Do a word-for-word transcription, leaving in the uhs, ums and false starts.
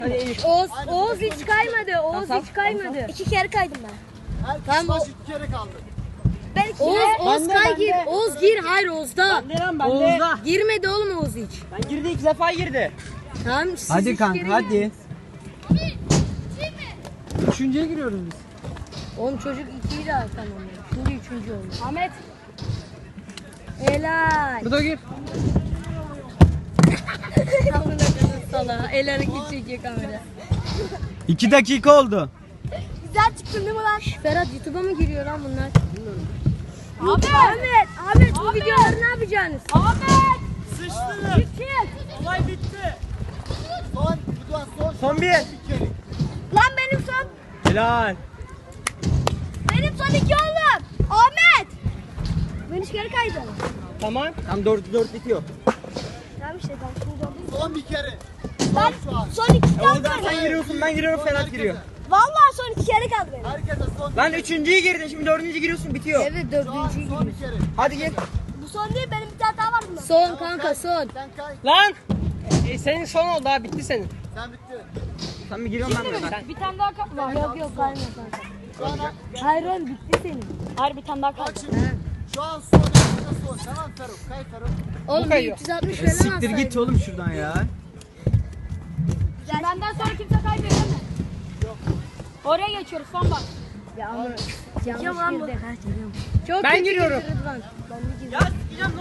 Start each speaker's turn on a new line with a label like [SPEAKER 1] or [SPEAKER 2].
[SPEAKER 1] Oğuz, Oğuz hiç kaymadı. Oğuz hiç kaymadı.
[SPEAKER 2] İki kere kaydım ben.
[SPEAKER 3] Herkes baş iki kere kaldı.
[SPEAKER 2] Ben iki
[SPEAKER 1] Oğuz,
[SPEAKER 2] kere.
[SPEAKER 1] Oğuz kay gir. Oğuz gir. Hayır Oğuz'da.
[SPEAKER 4] Ne lan bende?
[SPEAKER 5] Oğuz'da.
[SPEAKER 1] Girmedi oğlum Oğuz hiç.
[SPEAKER 4] Ben girdi iki defa girdi.
[SPEAKER 1] Tamam siz
[SPEAKER 5] Hadi
[SPEAKER 1] üç
[SPEAKER 5] kanka
[SPEAKER 1] kere
[SPEAKER 5] hadi.
[SPEAKER 1] girin.
[SPEAKER 5] Üçüncüye giriyoruz biz.
[SPEAKER 1] Oğlum çocuk ikiyi de tamamladı. Şimdi üçüncü oldu. Ahmet. Helal.
[SPEAKER 5] Bu da gir.
[SPEAKER 1] Amına koyayım salağa. El hareket çekiyor kamera.
[SPEAKER 5] İki dakika oldu.
[SPEAKER 2] Güzel çıktın değil mi lan?
[SPEAKER 1] Ferhat YouTube'a mı giriyor lan bunlar? Ahmet. Ahmet. Ahmet bu videoları ne yapacaksınız?
[SPEAKER 2] Ahmet!
[SPEAKER 4] Sıçtı.
[SPEAKER 2] Bitti.
[SPEAKER 4] Olay bitti.
[SPEAKER 3] Son, bu da son.
[SPEAKER 4] Son bir.
[SPEAKER 3] Bir kere.
[SPEAKER 2] Lan benim son.
[SPEAKER 4] Helal.
[SPEAKER 2] Benim son iki oğlum. Ahmet! Ben üç kere kaydım.
[SPEAKER 4] Tamam. Tam dört dört bitiyor.
[SPEAKER 2] Tamam işte ben şimdi oldum.
[SPEAKER 3] Son bir kere.
[SPEAKER 2] Ben
[SPEAKER 3] Şu an.
[SPEAKER 2] son iki kaldı
[SPEAKER 4] Oradan sen
[SPEAKER 2] benim.
[SPEAKER 4] giriyorsun ben giriyorum Ferhat giriyor.
[SPEAKER 2] Vallahi son iki kere kaldı benim.
[SPEAKER 3] Herkese son.
[SPEAKER 4] Ben üçüncüye girdim şimdi dördüncü giriyorsun bitiyor.
[SPEAKER 1] Evet
[SPEAKER 3] Şu an
[SPEAKER 1] dördüncüyü
[SPEAKER 3] son
[SPEAKER 1] giriyor.
[SPEAKER 3] bir kere.
[SPEAKER 4] Hadi gir.
[SPEAKER 2] Bu son değil benim bir tane daha var bunda.
[SPEAKER 1] Son kanka son.
[SPEAKER 3] Sen kay.
[SPEAKER 4] Lan. E, senin son oldu ha bitti senin.
[SPEAKER 3] Sen bitti.
[SPEAKER 4] Sen bir giriyorum ben de. Ben.
[SPEAKER 2] Bir tane daha var.
[SPEAKER 1] Yok yok kaymıyor kanka.
[SPEAKER 3] Şu an,
[SPEAKER 1] Hayır oğlum bitti senin.
[SPEAKER 2] Hayır bir tane daha
[SPEAKER 3] bak
[SPEAKER 2] kaldı.
[SPEAKER 3] şimdi. Şu an son. Herkese son. Tamam Feruk. Kay Feruk.
[SPEAKER 1] Oğlum bir
[SPEAKER 4] kayıyor.
[SPEAKER 1] üç yüz altmış
[SPEAKER 5] E,
[SPEAKER 1] falan
[SPEAKER 5] siktir git
[SPEAKER 1] alsaydın.
[SPEAKER 5] oğlum şuradan ya.
[SPEAKER 2] Benden sonra kimse kaybediyor mu? Yok. Oraya geçiyoruz son bak.
[SPEAKER 1] Ya ama
[SPEAKER 2] Kim lan bu?
[SPEAKER 1] yanlış girdi. Çok
[SPEAKER 4] Ben
[SPEAKER 1] kötü
[SPEAKER 4] giriyorum.
[SPEAKER 1] girdi Rıdvan.
[SPEAKER 4] Ya sikeceğim.